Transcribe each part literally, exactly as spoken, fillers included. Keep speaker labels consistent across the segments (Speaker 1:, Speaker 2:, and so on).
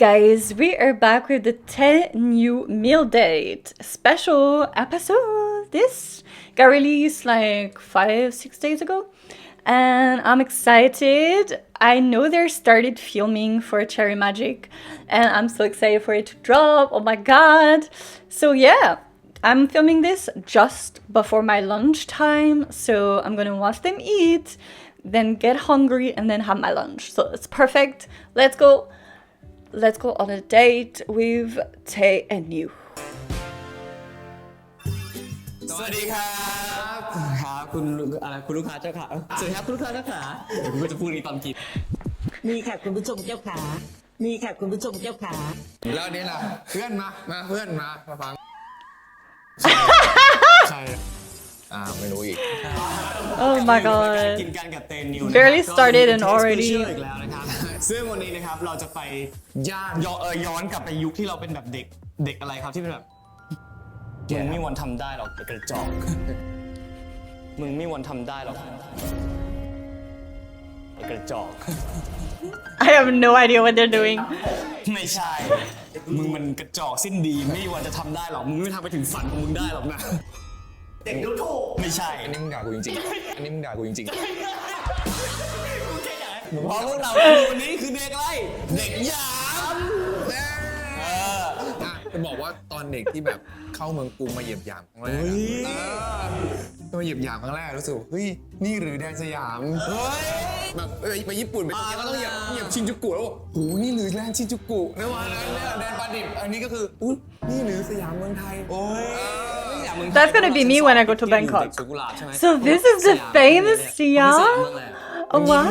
Speaker 1: guys, we are back with the ten new meal date special episode. This got released like five, six days ago, and I'm excited. I know they started filming for Cherry Magic, and I'm so excited for it to drop. Oh my god! So yeah, I'm filming this just before my lunchtime, so I'm gonna watch them eat, then get hungry, and then have my lunch. So it's perfect. Let's go. Let's go on a date with Tae and Yu.
Speaker 2: สวัสดีครับครับคุณอะไรคุณลูกค้าเจ้าขาสวัสดีครับคุณลูกค้าเจ้าขาเดี๋ยวผมจะพูดนี้ตอนกิน
Speaker 3: มีค่ะคุณผู้ชมเจ้าขา มีค่ะคุณผู้ชมเจ้าขา
Speaker 4: แล้วนี่ล่ะเพื่อนมา มาเพื่อนมามาฟัง
Speaker 2: ใช่
Speaker 4: อ่าไม่รู้อีก
Speaker 1: Oh my
Speaker 2: กิน
Speaker 1: god.
Speaker 2: กันกับเตนนิว
Speaker 1: Barely started and already
Speaker 2: อีกแล้วนะครับซึ่งวันนี้นะครับเราจะไปย่านย้อนเออย้อนกลับไปยุคที่เราเป็นแบบเด็กเด็กอะไรครับที่เป็นแบบมึงไม่มีวันทำได้หรอกไอ้กระจอกมึงไม่มีวันทำได้หรอกไอ้กระจอก
Speaker 1: I have no idea what they're doing.
Speaker 2: ไม่ใช่ มึงมันกระจอกสิ้นดีไม่มีวันจะทำได้หรอกมึงไม่ทำไปถึงฝันของมึงได้หรอกนะเด็กดูถูกไม่ใช่
Speaker 4: อันนี้มึงด่ากูจริงๆ อันนี้มึงด่ากูจริง
Speaker 2: เพราะพวกเราคือวันนี้คือเด็กอะไรเด็กหยาม
Speaker 4: ๆเอออ่ะจะบอกว่าตอนเด็กที่แบบเข้าเมืองกรุงมาเหยียบหยามครั้งแรกอะเออมาเหยียบหยามครั้งแรกรู้สึกเฮ้ยนี่หรือแดนสยาม
Speaker 2: เฮ้ย
Speaker 4: แบบเออไปญี่ปุ่นไปโตเกียวก็ต้องเหยียบเหยียบชินจูกุแล้วบอกโหนี่หรือแดนชินจูกุในวันนั้นเนี่ยแดนปาดิบอันนี้ก็คืออุ้ยนี่หรือสยามเมืองไทย
Speaker 2: โอ้ย
Speaker 1: That's gonna be me when I go to Bangkok. So this is the famous Siam? Oh wow.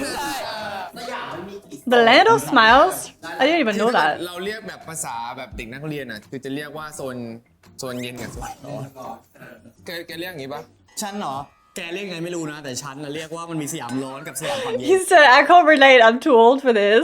Speaker 1: The land of smiles? I didn't even know that.
Speaker 4: เราเรียกแบบภาษาแบบเด็กนักเรียนอ่ะคือจะเรียกว่าโซนโซนเย็นกับโซนร้อนแกแกเรียกอย่างงี้ปะ
Speaker 2: ฉันเหรอแกเรียกไงไม่รู้นะแต่ฉันน่ะเรียกว่ามันมีสยามร้อนกับสยามฝั่งเย็น
Speaker 1: He said, I can't relate. I'm too old for this.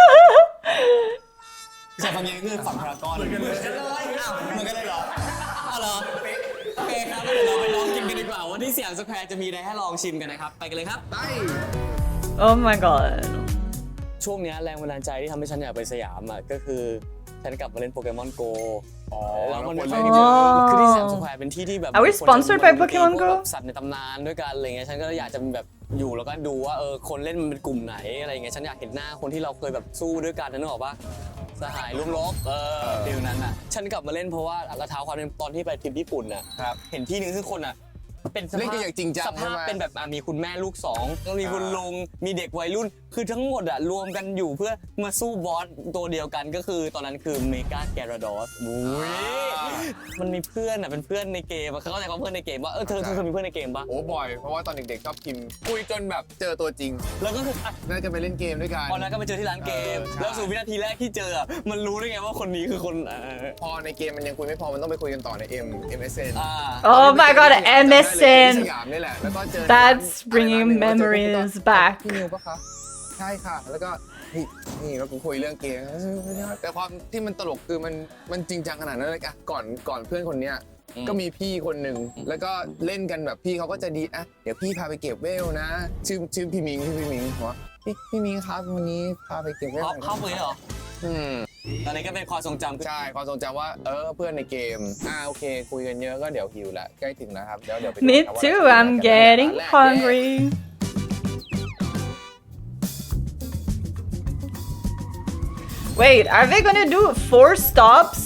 Speaker 2: สยามฝั่งเย็นคือฝั่งพารากอนเหมือนกันเลยอ้าวเหมือนกันเลยเหรออ้าวเหรอโอเคครับเดี๋ยวเราไปลองกินกันดีกว่าว่าที่สยามสแควร์จะมีอะไรให้ลองชิมกันนะครับไปกันเลยครับ
Speaker 4: ไป
Speaker 1: Oh my god.
Speaker 2: ช่วงนี้แรงบันดาลใจที่ทำให้ฉันอยากไปสยามอ่ะก็คือฉันกลับมาเล่นโปเกมอนโก
Speaker 4: อ๋อ
Speaker 2: แล้วมัน
Speaker 4: แล้วคน
Speaker 2: เป็น
Speaker 4: เล่น
Speaker 2: ที่
Speaker 4: เยอะ
Speaker 2: คือที่สยามสแควร์เป็นที่ที่แบบ
Speaker 1: Are we sponsored by Pokemon Go?
Speaker 2: แบบสัตว์ในตำนานด้วยกันอะไรเงี้ยฉันก็อยากจะแบบอยู่แล้วก็ดูว่าเออคนเล่นมันเป็นกลุ่มไหนอะไรเงี้ยฉันอยากเห็นหน้าคนที่เราเคยแบบสู้ด้วยกันนึกออกปะสหายร่วมรบเออฟิลนั้นอ่ะฉันกลับมาเล่นเพราะว่าเราเท้าความเป็นตอนที่ไปทริปญี่ปุ่นน่ะ
Speaker 4: ครับ
Speaker 2: เห็นที่นึงซึ่งคนอ่ะเป็นส
Speaker 4: เล่น
Speaker 2: ภา
Speaker 4: กัน
Speaker 2: พ
Speaker 4: อย่างจริงจัง
Speaker 2: ส
Speaker 4: ใช่
Speaker 2: ภาพ
Speaker 4: ไหม
Speaker 2: เป็นแบบอ่ะมีคุณแม่ลูกสองแล้วมีคุณลุงมีเด็กวัยรุ่น คือทั้งหมดอ่ะรวมกันอยู่เพื่อมาสู้บอสตัวเดียวกันก็คือตอนนั้นคือเมกาแกราดอสอุ้ยมันมีเพื่อนอ่ะเป็นเพื่อนในเกมอะเขาเข้าใจว่าเพื่อนในเกมว่าเออเธอเธอเคยมีเพื่อนในเกมปะ
Speaker 4: โอ้บ่อย เพราะว่าตอนเด็กๆชอบพิมพ์คุยจนแบบเจอตัวจริง
Speaker 2: แล้วก็คืออ่ะ
Speaker 4: น่าจะไปเล่นเกมด้วยกัน
Speaker 2: ตอนนั้นก็ไปเจอที่ร้านเกม
Speaker 4: เออใช่
Speaker 2: แล้วสู่วินาทีแรกที่เจออ่ะมันรู้ได้ไงว่าคนนี้คือคนเออ
Speaker 4: พอในเกมมันยังคุยไม่พอมันต้องไปคุยกันต่อใน M เอ็ม เอส เอ็น
Speaker 2: อ่า
Speaker 1: Oh my god,
Speaker 4: ที่ส
Speaker 1: M S N.
Speaker 4: ยามนี่แหละแล้วก็เจอ
Speaker 1: That's bringing memories back.
Speaker 4: พี่นิวปะคะใช่ค่ะ แล้วก็นี่นี่ก็คุยเรื่องเกมแต่ความที่มันตลกคือมันมันจริงจังขนาดนั้นเลยอะก่อนก่อนเพื่อนคนเนี้ยก็มีพี่คนหนึ่งแล้วก็เล่นกันแบบพี่เขาก็จะดีอ่ะเดี๋ยวพี่พาไปเก็บเวลนะ ชื่อชื่อพี่มิงชื่อพี่มิงหัวพี่พี่มิงครับวันนี้พาไปเก็บเวล
Speaker 2: เข้าเข้าไปเหรอ
Speaker 4: อืม
Speaker 2: ตอนนี้ก็เป็นความทรงจำ
Speaker 4: ใช่ความทรงจำว่าเออเพื่อนในเกมอ่าโอเค คุยกันเยอะก็เดี๋ยวหิวละใกล้ถึงแล้วครับเดี๋ยวเดี๋ยวไปดู
Speaker 1: Me
Speaker 4: ครับว่า
Speaker 1: too.
Speaker 4: เราจะ
Speaker 1: I'm
Speaker 4: ไปไหนกัน
Speaker 1: getting
Speaker 4: ร้านแรก
Speaker 1: hungry. Wait, are they gonna do four stops?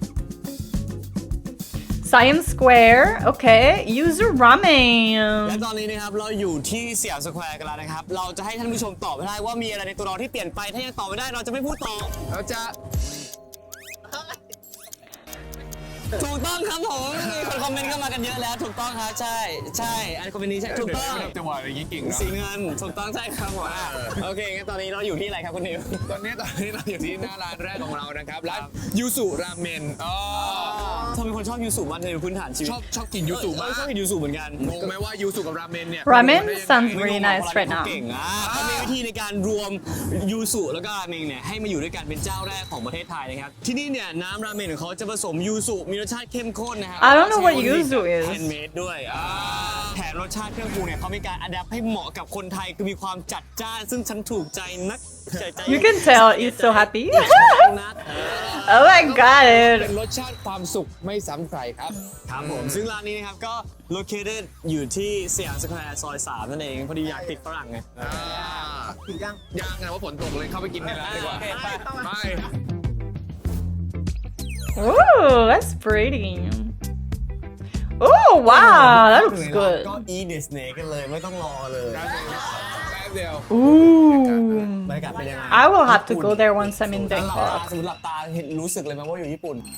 Speaker 1: Siam Square. Okay. User
Speaker 2: และ
Speaker 1: ramen.
Speaker 2: ตอนนี้นะครับเราอยู่ที่สยามสแควร์กันแล้วนะครับ เราจะให้ท่านผู้ชมตอบให้ได้ว่ามีอะไรในตัวเราที่เปลี่ยนไป ถ้ายังตอบไม่ได้เราจะไม่พูดต่อ
Speaker 4: เราจะ
Speaker 2: ถูกต้องครับผมมีคนคอมเมนต์เข้ามากันเยอะแล้วถูกต้องครับใช่ใช่อันคอมเมนต์นี้ใช่ถูกต้อง
Speaker 4: จังหวะอย่างนี้เก่งเนาะ
Speaker 2: สีเงินถูกต้องใช่ครับผมอ่ะโอเคงั้นตอนนี้เราอยู่ที่อะไรครับคุณนิว
Speaker 4: ตอนนี้ตอนนี้เราอยู่ที่หน้าร้านแรกของเรานะครับร้านยูสุราเมนอ๋อ
Speaker 2: ทำไมคนชอบยูสุมากในพื้นฐานชีวิต
Speaker 4: ชอบชอบกินยูสุมาก
Speaker 2: เออชอบกินยูสุเหมือนกัน
Speaker 4: งงไหมว่ายูสุกับราเมนเนี่ย
Speaker 1: Ramen sounds
Speaker 2: ไม่
Speaker 1: really
Speaker 2: งง
Speaker 1: nice
Speaker 2: ว่า
Speaker 1: right
Speaker 2: เขา
Speaker 1: now.
Speaker 2: เก่งอ่ะเขามีวิธีในการรวมยูสุแล้วก็ราเมงเนี่ยให้มาอยู่ด้วยกันเป็นเจ้าแรกของประเทศไทยนะครับที่นี่เนี่ยน้ำราเมงของเขาจะผสมยูสุมีมีรสชาติเข้มข้นนะครับ
Speaker 1: I don't know what yuzu is
Speaker 2: แฮนด์เมดด้วยอ่าแถมรสชาติเครื่องปรุงเนี่ยเขามีการอัดแอปให้เหมาะกับคนไทยคือมีความจัดจ้านซึ่งฉันถูกใจนักใจใจ
Speaker 1: You can tell he's so happy.
Speaker 2: นัก
Speaker 1: Oh my
Speaker 4: เป็น
Speaker 1: god.
Speaker 4: รสชาติความสุขไม่ซ้ำใครครับ
Speaker 2: ครับผมซึ่งร้านนี้นะครับก็ located อยู่ที่สยามสแควร์ซอยสามนั่นเองพอดีอยากติดฝรั่งไง
Speaker 4: อ่ายังยังไงว่าฝนตกเลยเข้าไปกินในร้านดีกว่า
Speaker 2: โอเคไป
Speaker 4: ไป
Speaker 1: Ooh, that's pretty. Oh wow, that looks
Speaker 2: ก็
Speaker 1: good.
Speaker 2: eat the snake กันเลยไม่ต้องรอเลย
Speaker 4: แป๊บเดียว
Speaker 1: Ooh.
Speaker 2: บรรยากาศเป็นยังไง
Speaker 1: I will have to go there once I'm in
Speaker 2: หลับตา
Speaker 1: Bangkok.
Speaker 2: สมมติหลับตาเห็นรู้สึกเลยไหมว่าอยู่ญี่ปุ่น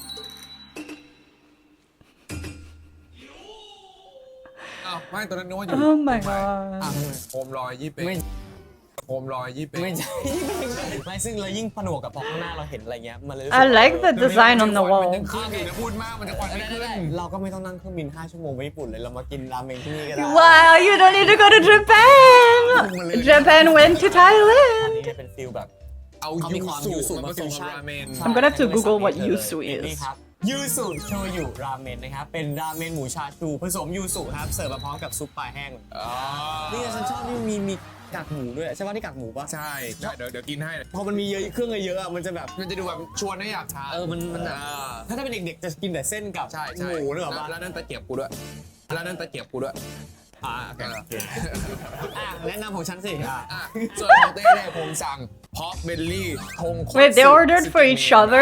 Speaker 4: อ้าวไม่ตอนนั้นนึกว่าอยู่
Speaker 1: Oh my god.
Speaker 4: โคมลอยยี่เป็ง
Speaker 2: ไม่
Speaker 4: โคมลอยยี่เป็ง
Speaker 2: ไม่ใช่ ไม่ซึ่งเรายิ่งผนวกกับพอข้างหน้าเราเห็นอะไรเงี้ยมันเลยรู้สึ
Speaker 1: I
Speaker 2: ก
Speaker 1: like the design on the
Speaker 4: มัน
Speaker 1: wall.
Speaker 4: ยังขึ้นอยู่นะพูดมากมันจะควันไม่ขึ้น
Speaker 2: เราก็ไม่ต้องนั่งเครื่องบินห้าชั่วโมงไปญี่ปุ่นเลยเรามากินราเมงที่นี่ก็ได้
Speaker 1: Wow, you don't need to go to Japan. Japan went to
Speaker 2: อัน
Speaker 1: Thailand.
Speaker 2: นี้จะเป็นฟิลแบบ
Speaker 4: เอา
Speaker 2: เขามี
Speaker 4: ยู
Speaker 2: ความ
Speaker 4: สุ
Speaker 2: ยูสุ
Speaker 4: มาผสม
Speaker 2: ฟิว
Speaker 4: กับ
Speaker 2: ชั่น
Speaker 4: ราเมน
Speaker 1: I'm gonna have to Google what yuzu
Speaker 2: นี่
Speaker 1: is.
Speaker 2: ครับยูสุโชยุราเมนนะครับเป็นราเมนหมูชาชูผสมยูสุครับเสิร์ฟมาพร้อมกับซุปปลาแห้ง
Speaker 4: อ๋อ
Speaker 2: นี่ฉันชอบที่มีมีกากหมูด้วยใช่ป่ะที่กากหมูป่ะ
Speaker 4: ใช่ใช่เดี๋ยวเดี๋ยวกินให้
Speaker 2: พอมันมีเยอะเครื่องเยอะๆอะมันจะแบบ
Speaker 4: มันจะดูแบบชวนให้อยากทาน
Speaker 2: เออมันมันแบบ
Speaker 4: อ่า
Speaker 2: ถ้าถ้าเป็นเด็กๆจะกินแต่เส้นกับ
Speaker 4: ใช่ใช่
Speaker 2: หมูหรือเปล่า
Speaker 4: แล้วนั่นตะเกียบกูด้วยแล้วนั่นตะเกียบกูด้วย
Speaker 2: อ่าโอเคโอเคอ่ะแนะนำของฉันสิอ่ะ
Speaker 4: อ่ะส่วนของเต้เนี่ยผมสั่งพอกเบลลี่ทงคตสึ
Speaker 1: Wait, they ordered for each other?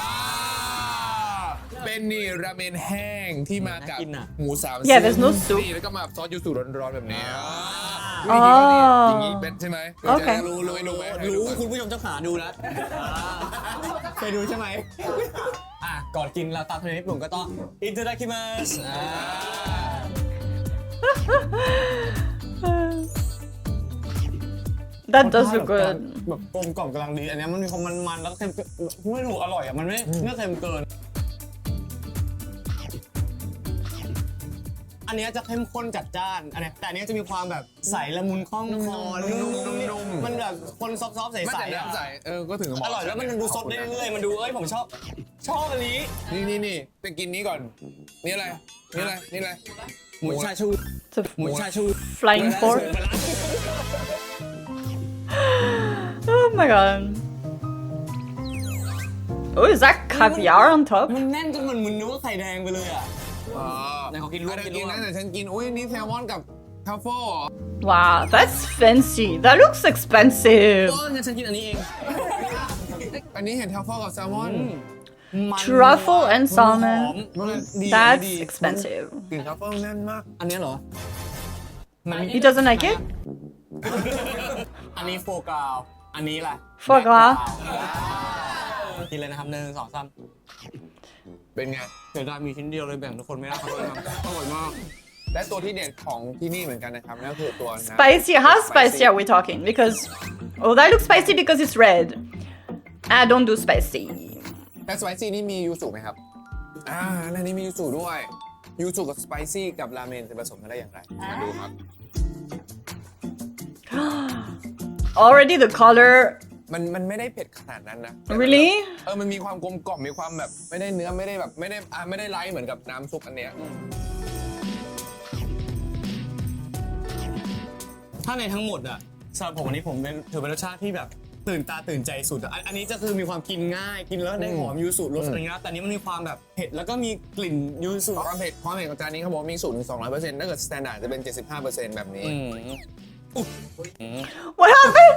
Speaker 4: เป็นนี่ราเมนแห้งที่มากับ
Speaker 2: น่ากินอะ
Speaker 4: หมูสาม
Speaker 1: Yeah, there's no soup.
Speaker 4: นี่แล้วก็มาซอสยูสุร้อนๆแบบนี้
Speaker 1: อ๋อ
Speaker 4: อย่างนี้เป็นใช่ไหม
Speaker 1: โอเค
Speaker 4: รู้รู้รู้ไหม
Speaker 2: รู้คุณผู้ชมเจ้าขาดูแล้วเคยดูใช่ไหมอ่ะก่อนกินเราตามทางญี่ปุ่นก็ต้องอินเตอร์ดัคิมัสอ่า
Speaker 1: That does look good.
Speaker 2: แบบกลมกล่อมกำลังดีอันเนี้ยมันมีความมันๆแล้วก็เค็มไม่รู้อร่อยอ่ะมันไม่ไม่เค็มเกิน อันเนี้ยจะเข้มข้นจัดจ้านอันเนี้ยแต่อันเนี้ยจะมีความแบบใสละมุนคล่องคอนุ่มๆมันแบบคนซอฟๆใ
Speaker 4: ไม่
Speaker 2: ส
Speaker 4: แต่
Speaker 2: ๆอ่ะ
Speaker 4: น้ำใสเออก็ถึงบ
Speaker 2: อก ร่อยแล้วมันดูสดได้เรื่อยๆมันดูเอ้ยผมชอบชอบอันนี้
Speaker 4: นี่นี่นี่ไปกินนี้ก่อนนี่อะไรนี่อะไรนี่อะไร
Speaker 2: หมูชาชู
Speaker 1: It's a
Speaker 2: หมูชาชู
Speaker 1: flying fork. Oh my god. Oh, is that caviar on top?
Speaker 2: มันแน่นจนมันมึนนึกว่าไข่แดงไปเลยอ่ะ
Speaker 4: อ๋อ
Speaker 2: ไหนขอกินร่วม
Speaker 4: อ่ะ
Speaker 2: กิน
Speaker 4: กิน
Speaker 2: ร่วม
Speaker 4: นะแต่ฉันกินอุ้ยนี่แซลมอนกับทัฟเฟิลเหรอ
Speaker 1: Wow, that's fancy. That looks expensive.
Speaker 2: เอองั้นฉันกินอันนี้เอง
Speaker 4: อันนี้เห็นทัฟเฟิลกับแซลมอน
Speaker 2: มัน
Speaker 1: Truffle and
Speaker 2: หอ
Speaker 1: salmon.
Speaker 2: มมันดี
Speaker 1: That's
Speaker 2: ดี
Speaker 1: expensive.
Speaker 4: กลิ่นทัฟเฟิลแน่นมาก
Speaker 2: อันเนี้ยเหรอมันมี
Speaker 1: He doesn't like it?
Speaker 2: อันนี้โฟกราวอันนี้แหละ
Speaker 1: Foie gras
Speaker 2: กินเลยนะครับหนึ่งสองสาม
Speaker 4: เป็นไง
Speaker 2: เสียดายมีชิ้นเดียวเลยแบ่งทุกคนไม่ได้ครับอร่อยมาก
Speaker 4: และตัวที่เด็ดของที่นี่เหมือนกันนะครับนั่นก็คือตัวน้ำ
Speaker 1: Spicy. How spicy are we talking? Because, oh, that looks spicy because it's red. I don't do spicy.
Speaker 4: แต่สไปซี่นี่มียูสุไหมครับ อ่าในนี้มียูสุด้วย ยูสุกับสไปซี่กับราเมนจะผสมกันได้อย่างไร มาดูครับ
Speaker 1: Already the color.
Speaker 4: มันมันไม่ได้เผ็ดขนาดนั้นนะ
Speaker 1: Really?
Speaker 4: เออ มันมีความกลมกล่อม มีความแบบไม่ได้เนื้อไม่ได้แบบไม่ได้อ่าไม่ได้ไลท์เหมือนกับน้ำซุปอันเนี้ย
Speaker 2: ถ้าในทั้งหมดอ่ะสำหรับผมอันนี้ผมเป็นถือเป็นรสชาติที่แบบตื่นตาตื่นใจสุดอะอันอันนี้จะคือมีความกินง่ายกินแล้วได้หอมยูสุรสอะไรเงี้ยแต่อันนี้มันมีความแบบเผ็ดแล้วก็มีกลิ่นยูสุ
Speaker 4: ความเผ็ดความเผ็ดของจานนี้เขาบอกว่ามีสูตรถึงสองร้อยเปอร์เซ็นต์ถ้าเกิดสแตนดาร์ดจะเป็น เจ็ดสิบห้าเปอร์เซ็นต์ แบบนี้
Speaker 1: What happened?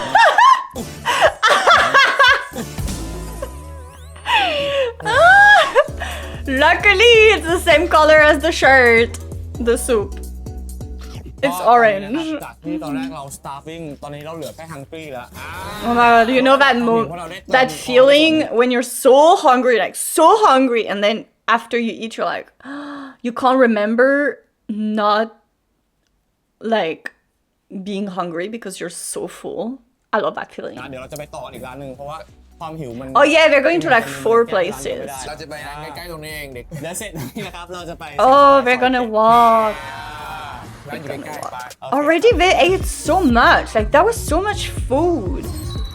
Speaker 1: Luckily, it's the same color as the shirt. The soup. It's
Speaker 2: ก็
Speaker 1: orange.
Speaker 2: จากที่ตอนแรกเรา starving ตอนนี้เราเหลือแค่ hungry แล้ว
Speaker 1: Oh my god, you know that mo- that feeling when you're so hungry, like so hungry, and then after you eat, you're like, you can't remember not like being hungry because you're so full. I love that feeling.
Speaker 2: นะเดี๋ยวเราจะไปต่ออีกร้านหนึ่งเพราะว่าความหิวมัน
Speaker 1: Oh yeah, we're going to like four places.
Speaker 4: เราจะไปร้านใกล้ๆตรงนี้เองเด็ก
Speaker 2: และเสร็จนี่นะครับเราจะไป
Speaker 1: Oh, we're gonna walk.
Speaker 4: ร้านอยู่ใกล้ๆไป
Speaker 1: Already they ate so much. Like that was so much food.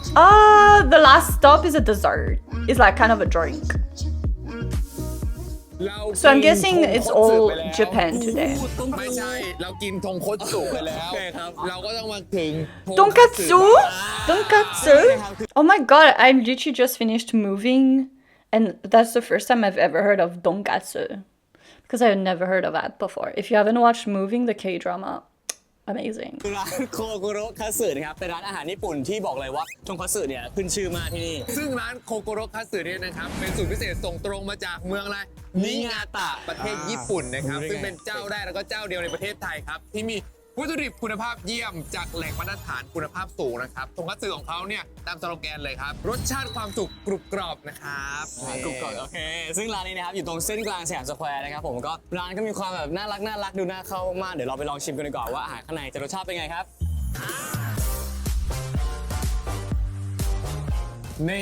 Speaker 1: Uh, the last stop is a dessert. It's like kind of a drink.
Speaker 4: เรา
Speaker 1: So I'm guessing it's all Japan today.
Speaker 4: ไม่ใช่ เรากินทงคตสุไปแล้ว เราก็ต้องมาถึง
Speaker 1: Tonkatsu? Tonkatsu? Oh my god, I literally just finished moving, and that's the first time I've ever heard of Donkatsu. Because I've never heard of that before. If you haven't watched Moving, the K-drama, amazing.
Speaker 2: ร้านโคโกโรคัตสึนะครับเป็นร้านอาหารญี่ปุ่นที่บอกเลยว่าทงคัตสึเนี่ยขึ้นชื่อมากที่นี่
Speaker 4: ซึ่งร้านโคโกโรคัตสึเนี่ยนะครับ เป็นสูตรพิเศษส่งตรงมาจากเมืองอะไรนิงาตะประเทศญี่ปุ่นนะครับ ซึ่งเป็นเจ้าแรกแล้วก็เจ้าเดียวในประเทศไทยครับ ที่มีวัตถุดิบคุณภาพเยี่ยมจากแหล่งมาตรฐานคุณภาพสูงนะครับทงคัตสึของเขาเนี่ยตามสโลแกนเลยครับ รสชาติความสุกกรุบกรอบนะครับ
Speaker 2: กรุบกรอบโอเค ซึ่งร้านนี้นะครับอยู่ตรงเส้นกลางสยามสแควร์นะครับผมก็ร้านก็มีความแบบน่ารักน่ารักดูน่าเข้ามากเดี๋ยวเราไปลองชิมกันดีกว่าว่าอาหารข้างในจะรสชาติเป็นไงครับ
Speaker 4: นี่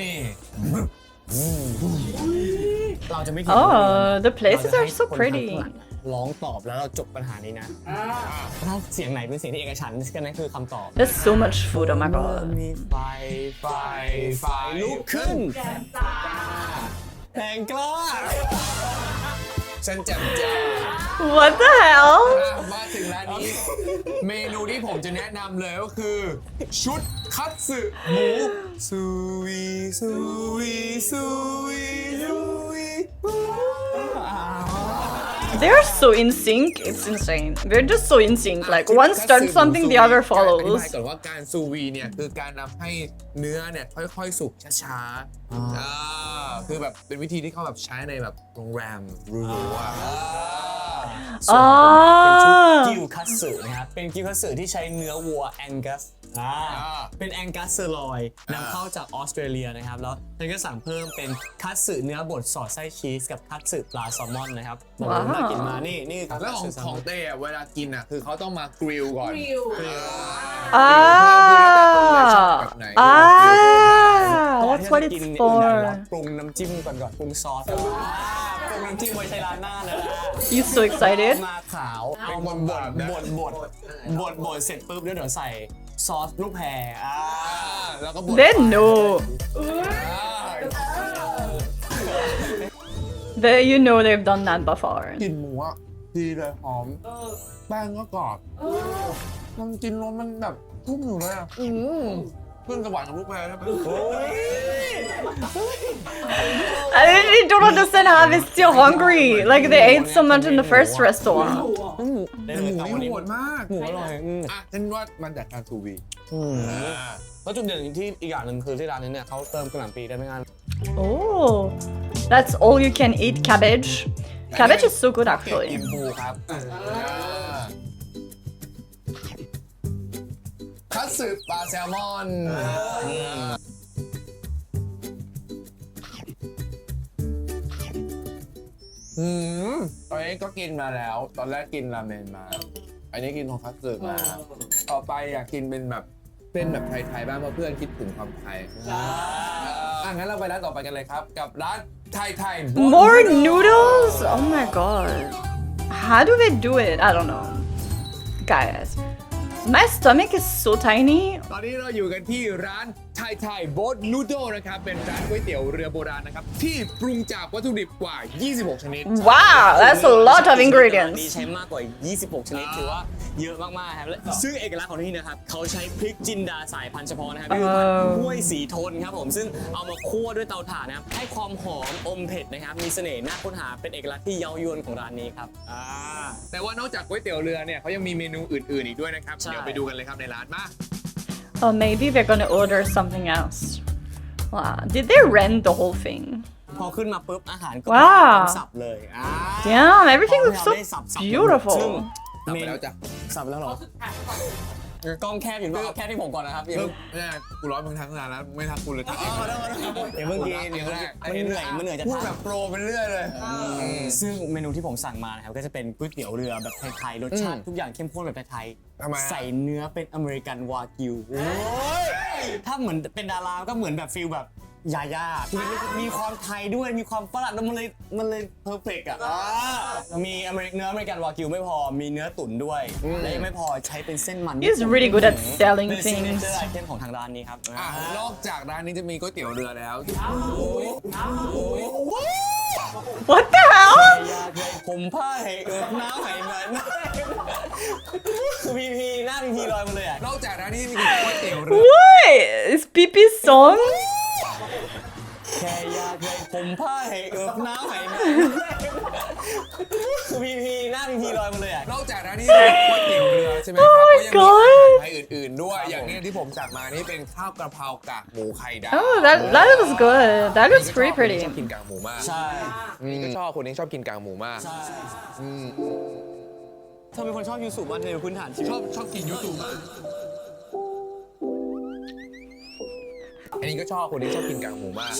Speaker 2: เราจะไม่คิด
Speaker 1: Oh, the places are so pretty.
Speaker 2: ร้องตอบแล้วเราจบปัญหานี้นะถ้าเสียงไหนเป็นเสียงที่เอกฉันท์ก็นั่นคือคำตอบ
Speaker 1: There's so much food, oh my god.
Speaker 2: มีไฟไฟไฟลุกขึ้นแรงกล้า
Speaker 4: ฉันแจ่มแจ้ง
Speaker 1: What the hell?
Speaker 4: มาถึงร้านนี้ เมนูที่ผมจะแนะนำเลยก็คือ ชุดคัตสึหมูซูวีซูวีซูวีซูวี
Speaker 1: They're so in sync, it's insane. They're just so in sync. Like, one starts something, the other
Speaker 4: อธิ
Speaker 1: follows.
Speaker 4: บายก่อนว่าการซูวีเนี่ยคือการทำให้เนื้อเนี่ยค่อยๆสุกช้าๆอ่าคือแบบเป็นวิธีที่เขาแบบใช้ในแบบโรงแรมหรูๆอ่ะ
Speaker 2: ส่วนของผมเป็นชุด
Speaker 1: Ah.
Speaker 2: กิวคัตสึนะครับ เป็นกิวคัตสึที่ใช้เนื้อวัวแองกัสอ่าเป็นแองกัสเซอร์ลอยนำเข้าจากออสเตรเลียนะครับ แล้วฉันก็สั่งเพิ่มเป็นคัตสึเนื้อบดสอดไส้ชีสกับคัตสึปลาแซลมอนนะครับบอกเลยว่าน่ากินมากนี่นี่คือ
Speaker 4: แล้วของ
Speaker 2: คัตสึแซล
Speaker 4: ข
Speaker 2: ม
Speaker 4: อง
Speaker 2: อน
Speaker 4: เต้อะเวลากินอ่ะคือเขาต้องมากริลก่อน
Speaker 1: Ah. Ah.
Speaker 2: ก่อน
Speaker 1: That's
Speaker 2: ที่
Speaker 1: what
Speaker 2: จะกิน
Speaker 1: it's
Speaker 2: อื่นใดเรา
Speaker 1: for.
Speaker 2: ปรุงน้ำจิ้มก่อนก่อนปรุงซอสอ่าปรุงน้ำจิ้มไว้ใช้ร้านหน้านะ
Speaker 1: You so excited?
Speaker 2: มาขาวเอามาบดบดบดบดบดเสร็จปุ๊บแล้วเดี๋ยวใส่ซอสลูกแพรอ่า
Speaker 4: แล้วก็บด
Speaker 1: They know. They, you know they've done that before.
Speaker 4: กลิ่นหมูอ่ะดีเลยหอมแป้งก็กรอบมันกินแล้วมันแบบทุ่มอยู่เลยอ่ะอืมขึ้นสวรรค์กับลูกแพรใช่ไหม
Speaker 1: I really don't understand how they're still hungry. Like, they ate so much in the first restaurant.
Speaker 2: ได้
Speaker 4: ห
Speaker 2: เลย
Speaker 4: มู
Speaker 2: ครับ
Speaker 4: นี่
Speaker 2: วันนี้
Speaker 4: โหดมาก
Speaker 2: หมูอร่อยอืม
Speaker 4: อ่ะฉันว่ามันจากการทูวี
Speaker 2: แล้วจุดเด่นที่อีกอย่างหนึ่งคือที่ร้านนี้เนี่ยเขาเติมกระหล่ำปีได้ไม่งาน
Speaker 1: Oh, that's all you can eat cabbage. Cabbage is so good
Speaker 4: อิ
Speaker 1: actually.
Speaker 4: มพูครับคัตสึปลาแซลมอนอืมตอนนี้ก็กินมาแล้ว ตอนแรกกินราเมนมา อันนี้กินของคัตสึมา ต่อไปอยากกินเป็นแบบเป็นแบบไทยๆบ้างเพราะเพื่อนคิดถึงความไทยอ่ะงั้นเราไปร้านต่อไปกันเลยครับ กับร้านไทยไทย
Speaker 1: More noodles? Oh my god. How do they do it? I don't know. Guys, my stomach is so tiny.
Speaker 4: ตอนนี้เราอยู่กันที่ร้านไทยไทยโบ๊ทนูโดนะครับเป็นร้านก๋วยเตี๋ยวเรือโบราณนะครับที่ปรุงจากวัตถุดิบกว่า ยี่สิบหก ชนิด
Speaker 1: Wow, that's a lot of
Speaker 2: นี่
Speaker 1: ingredients.
Speaker 2: ใช้มากกว่า ยี่สิบหก ชนิดถือว่าเยอะมากๆครับและซึ่งเอกลักษณ์ของที่นี่นะครับเขาใช้พริกจินดาสายพันธุ์เฉพาะนะครับคือพันธุ์ห้วยสีทนครับผมซึ่งเอามาคั่วด้วยเตาถ่านนะครับให้ความหอมอมเผ็ดนะครับมีเสน่ห์น่าค้นหาเป็นเอกลักษณ์ที่เย้ายวนของร้านนี้ครับอ่า
Speaker 4: แต่ว่านอกจากก๋วยเตี๋ยวเรือเนี่ยเขายังมีเมนูอื่นๆอีกด้วยนะครับ
Speaker 2: ใช่
Speaker 4: เดี๋ยวไปดูกันเลยครับในร้านมา
Speaker 1: Oh, maybe they're gonna order something else. Wow, did they rent the whole thing?
Speaker 2: พอขึ้นมาปุ๊บอาหารก็
Speaker 1: ว้าว
Speaker 2: สับเลยอ่า
Speaker 1: Damn, everything
Speaker 2: พอ
Speaker 1: looks
Speaker 2: เรา
Speaker 1: so
Speaker 2: ได้สับๆซึ่ง
Speaker 1: beautiful.
Speaker 4: สับไปแล้วจ้ะ
Speaker 2: สับไปแล้วเหรอ กล้องแคบอยู่ป่ะเอาแคบที่ผมก่อนนะครับอย่า
Speaker 4: เอ
Speaker 2: เพิ่
Speaker 4: อง เนี่ยกูร้อนมึงทั้งนานแล้วไม่ทักกูเลยทักเอง
Speaker 2: อย่าเพิ่งกินอย่าเพิ่งกินมันเหนื่อยมันเหนื่อยจะ
Speaker 4: พูด
Speaker 2: ทาน
Speaker 4: แบบโปรไปเรื่อยเลย
Speaker 2: ซึ่งเมนูที่ผมสั่งมานะครับก็จะเป็นก๋วยเตี๋ยวเรือแบบไทยๆรสชาติทุกอย่างเข้มข้นแบบไทย
Speaker 4: ทำไมฮะ
Speaker 2: ใส่เนื้อเป็นอเมริกันวากิวถ้าเหมือนเป็นดาราก็เหมือนแบบฟิลแบบยาย่าคือมีความไทยด้วยมีความฝรั่งแล้วมันเลยมันเลยเพอร์เฟกต์อ่ะมีอเมริกเนื้ออเมริกันวากิวไม่พอมีเนื้อตุ๋นด้วยและยังไม่พอใช้เป็นเส้นมัน
Speaker 1: He's really good at selling
Speaker 2: เป็นซิกเน
Speaker 1: things.
Speaker 2: เจอร์ไอเทมของทางร้านนี้ครับ
Speaker 4: อ่ะนอกจากร้านนี้จะมีก๋วยเตี๋ยวเรือแล้ว
Speaker 1: What the hell?
Speaker 2: ผมผ้าให้เอิบน้ำให้หน่อยคือพีพีหน้าพีพีลอยมาเลยอ่ะ
Speaker 4: นอกจากนั้นนี่มีก๋วยเตี๋ยวเรือ
Speaker 1: What? Is Pipi's song?
Speaker 2: แค่อยากให้ผมผ้าให้เอิบน้ำให้หน่อยคือพีพีหน้าพีพีลอยมาเลยอ่ะ
Speaker 4: นอกจากนั้นนี่มีก๋วยเตี๋ยวเรือใช่ไหมครับก็ยังมีอาหารไทยอื่นๆด้วย อย่างนี้ที่ผมสั่งมานี่เป็นข้าวกระเพรากากหมูไข่ดาว
Speaker 1: Oh, that that looks good. That looks pretty
Speaker 4: ช
Speaker 1: pretty.
Speaker 4: อบกินกากหมูมาก
Speaker 2: ใช่
Speaker 4: นี่ก็ชอบคนนี้ชอบกินกากหมูมาก
Speaker 2: ใช่
Speaker 4: อืม
Speaker 2: เธอเป็นคนชอบยูสุมาในพื้นฐานชีวิ
Speaker 4: ช
Speaker 2: ต
Speaker 4: อบชอบกินยูทูบมากอันนี้ก็ชอบคนนี้ชอบกินกากหมูมาก
Speaker 2: ใช่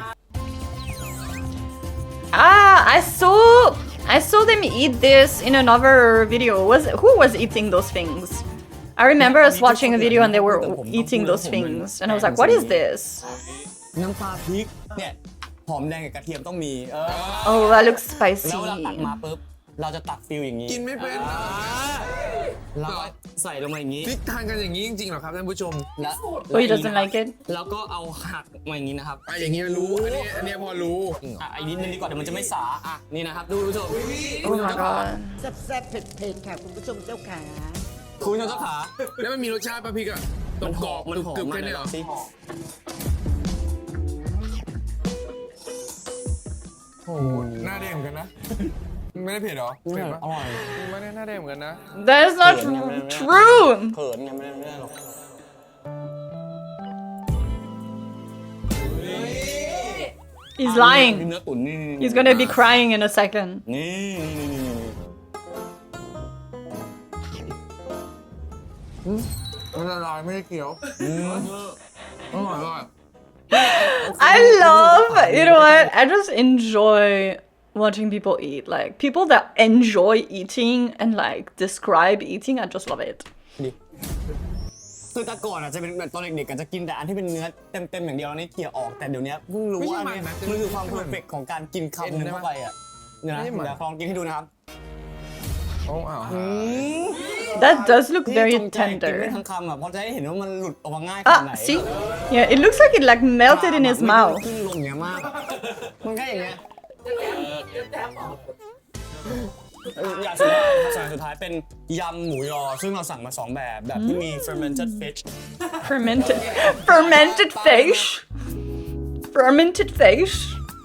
Speaker 1: Ah, I saw I saw them eat this in another video. Was who was eating those things? I remember us watching a video and they were eating those things, and I was like, "What is this?"
Speaker 2: น้ำปลาพริกเนี่ยหอมแดงกับกระเทียมต้องมีเออ
Speaker 1: Oh, that looks
Speaker 2: แล้วเวลาตัก
Speaker 1: spicy.
Speaker 2: มาปุ๊บเราจะตักฟิลอย่างนี้
Speaker 4: กินไม่เป็น
Speaker 2: อ่าแล้วก็ใส่ลงมาอย่างนี้
Speaker 4: พริกทานกันอย่างนี้จริงๆเหรอครับท่านผู้ชม
Speaker 2: แล้ว
Speaker 1: Oh, he doesn't like it.
Speaker 2: แล้วก็เอาหักมาอย่างนี้นะครับ
Speaker 4: อ่ะอย่างนี้รู้ อันนี้อันนี้พอรู้
Speaker 2: อ่ะอีกนิดนึงดีกว่าเดี๋ยวมันจะไม่สาอ่ะนี่นะครับดูผู้ชม
Speaker 1: Oh my god.
Speaker 3: แซ่บๆเผ็ดๆค่ะคุณผู้ชมเจ้าขา
Speaker 2: คุณผู้ชมเจ้าขา
Speaker 4: แล้วมันมีรสชาติป่ะพริกอ่ะตร
Speaker 2: มัน
Speaker 4: ง
Speaker 2: ห
Speaker 4: กร
Speaker 2: อ
Speaker 4: อ
Speaker 2: ม
Speaker 4: บ
Speaker 2: มันหอม
Speaker 4: กรึบๆ
Speaker 2: มา
Speaker 4: แค่
Speaker 2: กเล
Speaker 4: นี้
Speaker 2: ย
Speaker 4: เหรอ
Speaker 2: สิ
Speaker 4: โอ้โหหน้าแดงเหมือนกันนะ ไม่ได้เผ็ดเหรอเผ็ดปะ
Speaker 2: อร่อย
Speaker 4: ไม่ได้หน้าแดงเหมือนกันนะ
Speaker 1: That is not true.
Speaker 2: เขินไงไม่ได้ไม่ได้หรอก
Speaker 1: He's lying.
Speaker 2: เนื้อตุ๋นนี่
Speaker 1: He's gonna be crying in a second.
Speaker 2: นี่นี่นี่นี่
Speaker 4: มันละลายไม่ได้เคี้ยวอร่อยอร่อย
Speaker 1: I love, you know what? I just enjoy watching people eat. Like people that enjoy eating and like describe eating, I just love it.
Speaker 2: คือแต่ก่อนอ่ะจะเป็นแบบตอนเด็กๆกันจะกินแต่อันที่เป็นเนื้อเต็มๆอย่างเดียวแล้วนี่เขี่ยออกแต่เดี๋ยวนี้เพิ่งรู้ว่าเนี่ยมันคือความเพอร์เฟกต์ของการกินคำนึงเข้าไปอ่ะเดี๋ยวนะเดี๋ยวลองกินให้ดูนะครับ
Speaker 4: โอ้อ้าว
Speaker 1: That does look
Speaker 2: ที่
Speaker 1: very
Speaker 2: จงใจกินไม่
Speaker 1: tender.
Speaker 2: ทั้งคำอ่ะเพราะจะให้เห็นว่ามันหลุดออกมาง่ายขนาดไหน
Speaker 1: Ah, see? Yeah, it looks like it like melted in his
Speaker 2: ไม่
Speaker 1: mouth.
Speaker 2: ขึ้นลงอย่างเงี้ยมากมันแค่อย่างเงี้ยเอออย่างสุดท้ายครับอย่างสุดท้ายเป็นยำหมูยอซึ่งเราสั่งมาสองแบบแบบที่มี fermented fish
Speaker 1: Fermented, fermented fish. Fermented fish.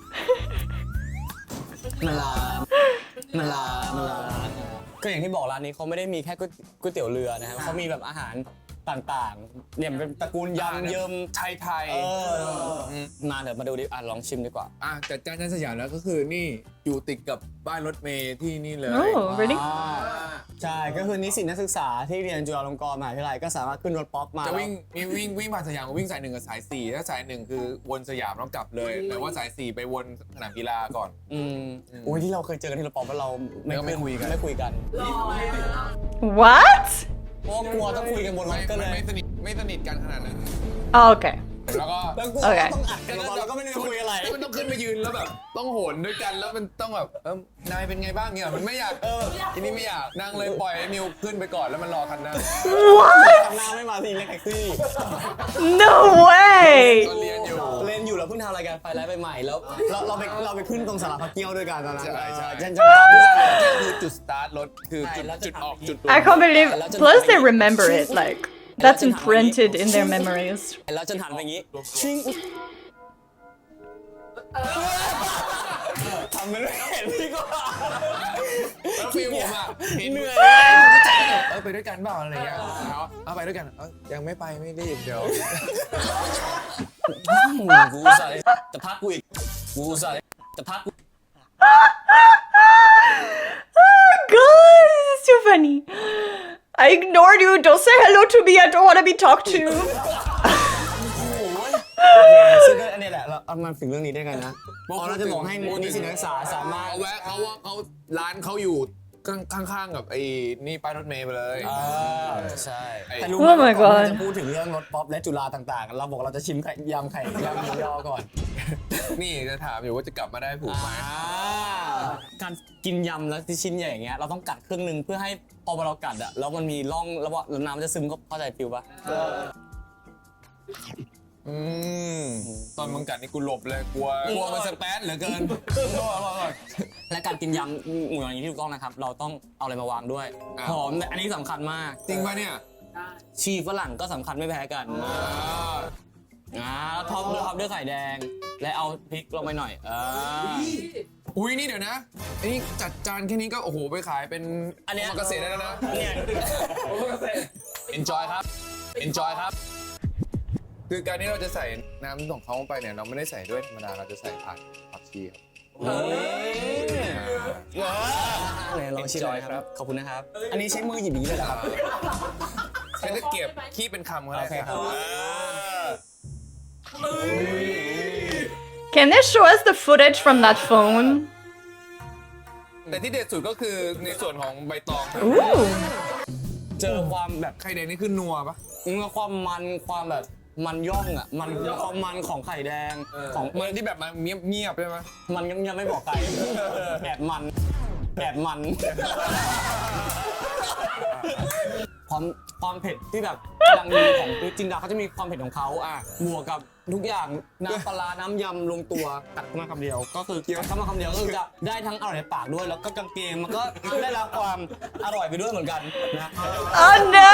Speaker 2: มันลามันลามันลาก็อย่างที่บอกร้านนี้เขาไม่ได้มีแค่ก๋วยก๋วยเตี๋ยวเรือนะครับเขามีแบบอาหารต่างๆเนี่ยเป็นตระกูลยำเยิม
Speaker 4: ไทยไทย
Speaker 2: เออมาเดี๋ยวมาดูดิอ่ะลองชิมดีกว่า
Speaker 4: อ่ะจัดจ้านย่านสยามแล้วก็คือนี่อยู่ติดกับป้ายรถเมล์ที่นี่เลย
Speaker 1: Oh, really?
Speaker 2: อ่าใช่ก็คือนิสิตนักศึกษาที่เรียนจุฬาลงกรณ์มหาวิทยาลัยก็สามารถขึ้นรถป๊อปมา
Speaker 4: จะวิ่งมีวิ่งวิ่งผ่านสยามก็วิ่งสายหนึ่งกับสายสี่ถ้าสายหนึ่งคือวนสยามแล้วกลับเลยแต่ว่าสายสี่ไปวนสนามกีฬาก่อน
Speaker 2: อืมโอ้ยที่เราเคยเจอกันที่รถป๊อปแล้วเรา
Speaker 4: แล้วก็ไม่คุยกัน
Speaker 2: ไม่คุยกัน
Speaker 1: What?
Speaker 2: เพราะว่ากลัวต้องคุยกันบนร
Speaker 4: ไม่
Speaker 2: ถก็เลย
Speaker 4: ไม่สนิทไม่สนิทกันขนาดนั้น
Speaker 1: Oh, okay.
Speaker 4: แล้วก็
Speaker 2: แล้วกลัว
Speaker 1: โอเค
Speaker 2: ต้องอัดกันบนรถแล้วก็ไม่ได้คุยอะไร
Speaker 4: มันต้องขึ้นมายืนแล้วแบบต้องโหนด้วยกันแล้วมันต้องแบบเออนายเป็นไงบ้างเนี่ยมันไม่อยากเออทีนี้ไม่อยากนั่งเลยปล่อยให้นิวขึ้นไปก่อนแล้วมันรอคันหน้า
Speaker 1: What?
Speaker 2: ทำหน้าไม่มาทีเล็กแท็กซี่
Speaker 1: No way!
Speaker 4: ตอนเรียนอยู่
Speaker 2: เล่นอยู่แล้วเพิ่งทำรายการไฟไลฟ์ไปใหม่แล้วเราเราไปเราไปขึ้นตรงสาราพักเกี้ยวด้วยกันตอนนั้น
Speaker 4: ใช่ใช่
Speaker 2: เจนจังจำได้เลย
Speaker 4: นี่คือจุดสตาร์ทรถคือจุด
Speaker 2: ใช่แล้วจะ
Speaker 4: จุดออก
Speaker 2: ทำ
Speaker 4: จุด
Speaker 1: I can't believe. Plus, they remember it. Like that's imprinted in their memories.
Speaker 2: แล้วจนหันไปอย่างงี้ชิงทำไม่ได้เห็นพี่ก็
Speaker 4: แล้วฟิลผมอ่ะเห็น
Speaker 2: เหนื่อย
Speaker 4: เออไปด้วยกันเปล่าอะไรเงี้ยเอาเอาไปด้วยกันเออยังไม่ไปไม่รีบเดี๋ยว
Speaker 2: กูใส่จะพักกูอีกกูใส่จะพักกู
Speaker 1: Oh god, this is too funny. I ignored you. Don't say hello to me. I don't want to be talked to.
Speaker 2: ซึ่งก็อันนี้แหละเราเอามาถึงเรื่องนี้ได้ไงนะพอเราจะบอกให้นิสิตนักศึกษาสามารถ
Speaker 4: เอาแวะเขาว่าเขาร้านเขาอยู่ข้างๆกับไอ้นี่ป้ายรถเมล์ไปเลย
Speaker 2: อ่าใช่
Speaker 4: ไอ้
Speaker 2: แต่รู้
Speaker 1: Oh
Speaker 2: ไหม
Speaker 1: my
Speaker 2: ว่าก่อน
Speaker 1: god
Speaker 2: ที่จะพูดถึงเรื่องรถป๊อปและจุฬาต่างๆ เราบอกเราจะชิมไข่ยำไข่ยำหมูยอก่อน
Speaker 4: นี่จะถามอยู่ว่าจะกลับมาได้ผูกไหม
Speaker 2: อ่าการกินยำแล้วที่ชิ้นใหญ่อย่างเงี้ยเราต้องกัดครึ่งหนึงเพื่อให้พอเรากัดอะแล้วมันมีร่องแล้วน้ำมันจะซึมเข้าใจฟิลปะ
Speaker 4: อืมตอนมึงกัดนี่กูหลบเลยกลัวกลัวมันสแปซเหลือเกิน
Speaker 2: และการกินยำหมูอย่างนี้ที่ถูกต้องนะครับ เราต้องเอาอะไรมาวางด้วย
Speaker 4: อ่า
Speaker 2: หอมอันนี้สำคัญมาก
Speaker 4: จริงป่ะเนี่ย
Speaker 2: ชีฝรั่งก็สำคัญไม่แพ้กัน
Speaker 4: อ่า
Speaker 2: อ่าแล้วท็อปด้วยท็อปด้วยไข่แดง และเอาพริกลงไปหน่อยอ่า
Speaker 4: อุ้ยนี่เดี๋ยวนะไอ้นี่จัดจานแค่นี้ก็โอ้โหไปขายเป็น
Speaker 2: อันเนี้ย
Speaker 4: โอมากาเสะได้แล้วนะ
Speaker 2: เนี่ย
Speaker 4: enjoy ครับ enjoy ครับ คือการที่เราจะใส่น้ำของเขาลงไปเนี่ยเราไม่ได้ใส่ด้วยธรรมดาเราจะใส่ผักผักชีครับ
Speaker 2: ไหนลองชิมหน่อยครับ ขอบคุณนะครับ อันนี้ใช้มือหยิบอย่างนี้เลยเหรอครับ
Speaker 4: ใช้ตะเกียบขี้เป็นคำก็ได้
Speaker 2: โอเคครับ
Speaker 1: Can they show us the footage from that phone?
Speaker 4: แต่ที่เด็ดสุดก็คือในส่วนของใบตอง
Speaker 1: Ooh.
Speaker 2: เจอความแบบ
Speaker 4: ไข่แดงนี่คือนัวปะ
Speaker 2: มีความมันความแบบมันย่องอ่ะ มันความมันของไข่แดงของ
Speaker 4: มันที่แบบมันเงียบเงียบๆใช่ไหม
Speaker 2: มันยังไม่บอกใครแอบมันแอบมัน ความความเผ็ดที่แบบกำลังดีของจินดาเขาจะมีความเผ็ดของเขาอ่ะบวกกับทุกอย่างน้ำปลาร้าน้ำยำลงตัวตัดเข้ามาคำเดียว ก็คือตัดเข้ามาคำเดียวก็คือจะได้ทั้งอร่อยในปากด้วย แล้วก็กางเกงมันก็ได้รับความอร่อยไปด้วยเหมือนกันนะ
Speaker 1: Oh no!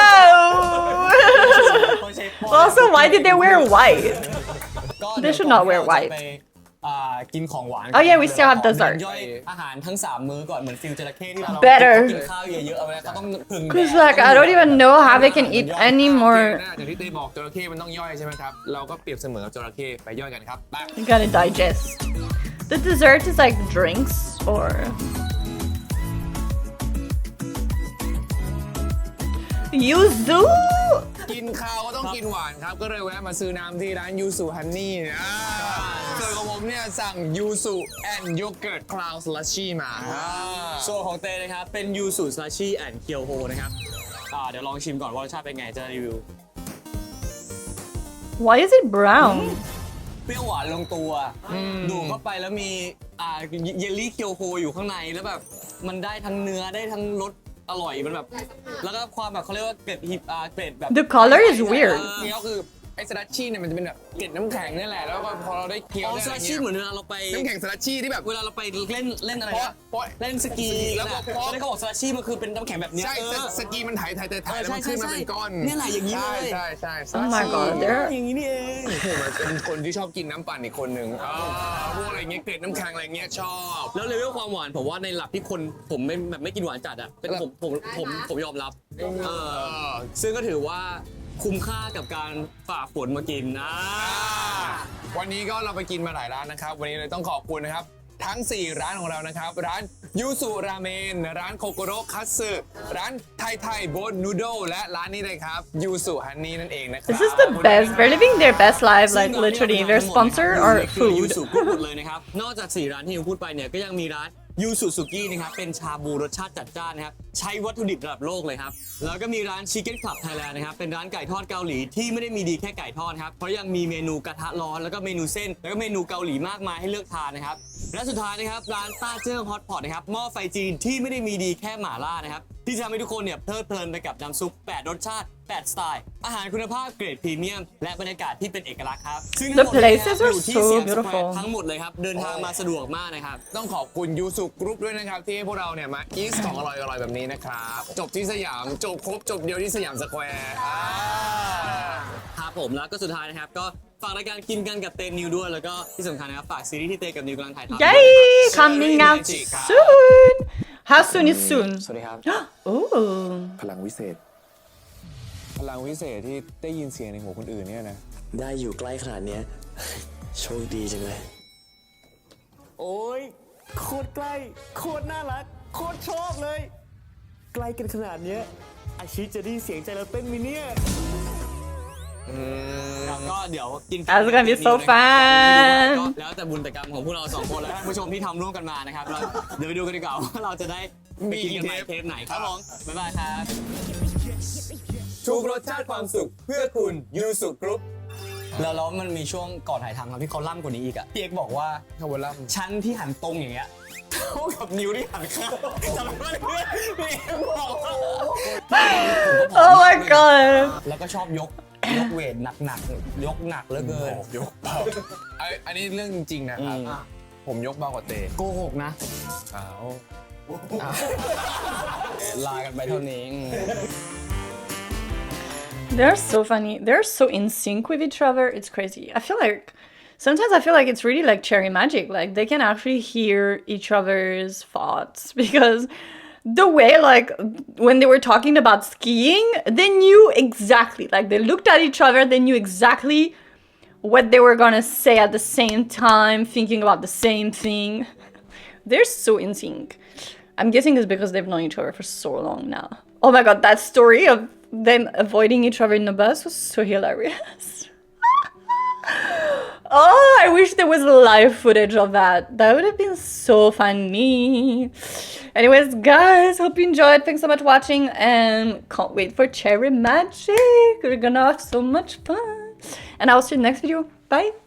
Speaker 1: Also, why did they wear white?
Speaker 2: ก็
Speaker 1: They should not wear
Speaker 2: เดี๋ยว
Speaker 1: white.
Speaker 2: จะไปอ่ากินของหวาน
Speaker 1: Oh yeah, we still have dessert.
Speaker 2: ย่อยอาหารทั้งสามมื้อก่อนเหมือนฟิลจระเข้ที่เรา
Speaker 1: Better.
Speaker 2: กินข้าวเยอะๆเอาไว้เขาต้องพึ่งแดด
Speaker 1: Cause like I don't even know how they can eat any
Speaker 4: โอเค
Speaker 1: more.
Speaker 4: นะอย่างที่เต้บอกจระเข้มันต้องย่อยใช่ไหมครับ เราก็เปรียบเสมือนกับจระเข้ไปย่อยกันครับไป
Speaker 1: You gotta digest. The dessert is like drinks or. Yuzu.
Speaker 4: กินข้าวก็ต้องกินหวานครับ ก็เลยแวะมาซื้อน้ำที่ร้านยูสุฮันนี่อ่าส่วนของผมเนี่ยสั่งยูสุแอนด์โยเกิร์ตคลาวสลัชชี่มาอ่า
Speaker 2: ส่วนของเตนะครับ เป็นยูสุซาชิแอนด์เคียวโฮนะครับอ่าเดี๋ยวลองชิมก่อนว่ารสชาติเป็นไงจะรีวิว
Speaker 1: Why is it brown?
Speaker 2: เปรี้ยวหวานลงตัวดูดเข้าไปแล้วมีอ่าเยลลี่เคียวโฮอยู่ข้างในแล้วแบบมันได้ทั้งเนื้อได้ทั้งรสอร่อยมันแบบ แล้วก็ความแบบเขาเรียกว่าเกล็ดฮิปอ่าเกล็ดแบบ
Speaker 1: The color is weird.
Speaker 4: นี่ก็คือไอ้สลัชชี่เนี่ยมันจะเป็นแบบเกล็ดน้ำแข็งนี่แหละ แล้วก็พอเราได้เคี้ยว
Speaker 2: อ๋อ
Speaker 4: ได้
Speaker 2: ซา
Speaker 4: อะไร
Speaker 2: ชิ
Speaker 4: เงี้ย
Speaker 2: เหมือนเวลาเราไป
Speaker 4: น้ำแข็งสลัชชี่ที่แบบ
Speaker 2: เวลาเราไปเล่นเล่นอะไร
Speaker 4: เพราะ
Speaker 2: นะ
Speaker 4: เพราะ
Speaker 2: เล่นสกี
Speaker 4: แล้วก็
Speaker 2: นะ
Speaker 4: เพราะ
Speaker 2: แล้วเขาบอกซาชิมันคือเป็นน้ำแข็งแบบเนี้ย
Speaker 4: ใช่
Speaker 2: เออ
Speaker 4: สกีมันถ่ายถ่ายถ่ายถ่าย
Speaker 2: เออ
Speaker 4: แล้วมันขึ้นมา
Speaker 2: ใช่
Speaker 4: เป็นก้อน
Speaker 2: เนี่ยแหละอย่างนี้เลย
Speaker 4: ใช่ใช่ใช่
Speaker 1: Oh my god, they're
Speaker 2: อย่างนี้นี่เอง
Speaker 4: ผมเป็นคนที่ชอบกินน้ำปั่นอีกคนหนึ่งอ่าพวกอะไรเงี้ยเกล็ดน้ำแข็งอะไรเงี้ยชอบ
Speaker 2: แล้วเลเวลความหวานผมว่าในหลักที่คนผมไม่แบบไม่กินหวานจัดอะเป็นผมผมผมผมยอมรับเออซึ่งก็ถือว่าคุ้มค่ากับการฝ่าฝนมากินนะ
Speaker 4: วันนี้ก็เราไปกินมาหลายร้านนะครับ วันนี้เลยต้องขอบคุณนะครับ ทั้ง สี่ ร้านของเรานะครับ ร้านยูสุราเมน ร้านโคโกโรคัตสึร้านไทยไทยโบนนูโดและร้านนี้เลยครับยูสุฮันนี่นั่นเองนะครับ
Speaker 1: This is the best. They're living their best lives, like literally. Their sponsor are
Speaker 2: คือยู
Speaker 1: food.
Speaker 2: สุกุหมดเลยนะครับ นอกจากสี่ร้านที่ยูพูดไปเนี่ยก็ยังมีร้านยูสุสุกี้นะครับเป็นชาบูรสชาติจัดจ้านนะครับใช้วัตถุดิบระดับโลกเลยครับแล้วก็มีร้าน Chicken Club Thailand นะครับเป็นร้านไก่ทอดเกาหลีที่ไม่ได้มีดีแค่ไก่ทอดครับเพราะยังมีเมนูกระทะร้อนแล้วก็เมนูเส้น แล้วก็เมนูเกาหลีมากมายให้เลือกทานนะครับและสุดท้ายนะครับร้านต้าเจิ้งฮอตพอตนะครับหม้อไฟจีนที่ไม่ได้มีดีแค่หม่าล่านะครับที่จะทำให้ทุกคนเนี่ยเพลิดเพลินไปกับน้ำซุปแปดรสชาติแปดสไตล์อาหารคุณภาพเกรดพรีเมียมและบรรยากาศที่เป็นเอกลักษณ์ครับซึ่ง
Speaker 1: The places are
Speaker 2: อยู่ที่
Speaker 1: so
Speaker 2: เซียงสแควร์
Speaker 1: beautiful.
Speaker 2: ทั้งหมดเลยครับเดินทางมาสะดวกมากนะครับ
Speaker 4: ต้องขอบคุณยูสุกรุ๊ปด้วยนะครับ ที่ให้พวกเราเนี่ยมาอีสของอร่อยอร่อยแบบนี้นะครับ จบที่สยาม จบครบจบเดียวที่สยามสแควร์อ่า
Speaker 2: ครับผมแล้วก็สุดท้ายนะครับก็ฝากรายการกินกันกับเตนนิวด้วยแล้วก็ที่สำคัญนะครับฝากซีรีส์ที่เตกับนิวกำลังถ่ายทำ
Speaker 1: Yay! Coming out soon. How soon is soon?
Speaker 2: สวัสดีครับ
Speaker 1: Ooh.
Speaker 4: พลังวิเศษ พลังวิเศษที่ได้ยินเสียงในหูคนอื่นเนี่ยนะ
Speaker 5: ได้อยู่ใกล้ขนาดเนี้ย โชคดีจังเลย
Speaker 2: โอ้ยโคตรใกล้โคตรน่ารักโคตรชอบเลย ใกล้กันขนาดเนี้ยอาชิจะได้เสียงใจเราเต้นมิเนี่ยครับก็เดี๋ยวกิน
Speaker 1: That's gonna be so fun.
Speaker 2: ก็แล้วแต่บุญแต่กรรมของพวกเราสองคนและท่านผู้ชมที่ทำร่วมกันมานะครับเราเดี๋ยวไปดูกันดีกว่าว่าเราจะได้ไปกินกันใหม่เทปไหนครับผมบ๊ายบายครับ
Speaker 4: ทุกรสชาติความสุขเพื่อคุณยูสุกรุ๊ป
Speaker 2: แล้วแล้วมันมีช่วงก่อนถ่ายทำครับที่เขาล่ำกว่านี้อีกอะพี่เอกบอกว่า
Speaker 4: คาร์บอนลัม
Speaker 2: ชั้นที่หันตรงอย่างเงี้ยเท่ากับนิ้วที่หันข้างจำได้ไหมเพื่อนพี่เอกบอกว่า
Speaker 1: Oh my god.
Speaker 2: แล้วก็ชอบยกยกเวทหนักๆยกหนักเหลือเกิน
Speaker 4: ยกเบาไอ้อันนี้เรื่องจริงๆนะครับ
Speaker 2: อืม
Speaker 4: ผมยกเบากว่าเต
Speaker 2: โกหกนะ
Speaker 4: อ้าว
Speaker 2: ลากันไปเท่านี้อืม
Speaker 1: They're so funny. They're so in sync with each other. It's crazy. I feel like sometimes I feel like it's really like cherry magic. Like they can actually hear each other's thoughts because the way like when they were talking about skiing, they knew exactly. Like they looked at each other, they knew exactly what they were gonna say at the same time, thinking about the same thing. They're so in sync. I'm guessing it's because they've known each other for so long now. Oh my god, that story of them avoiding each other in the bus was so hilarious. Oh, I wish there was live footage of that. That would have been so funny. Anyways, guys, hope you enjoyed. Thanks so much for watching and can't wait for Cherry Magic. We're gonna have so much fun. And I'll see you in the next video. Bye.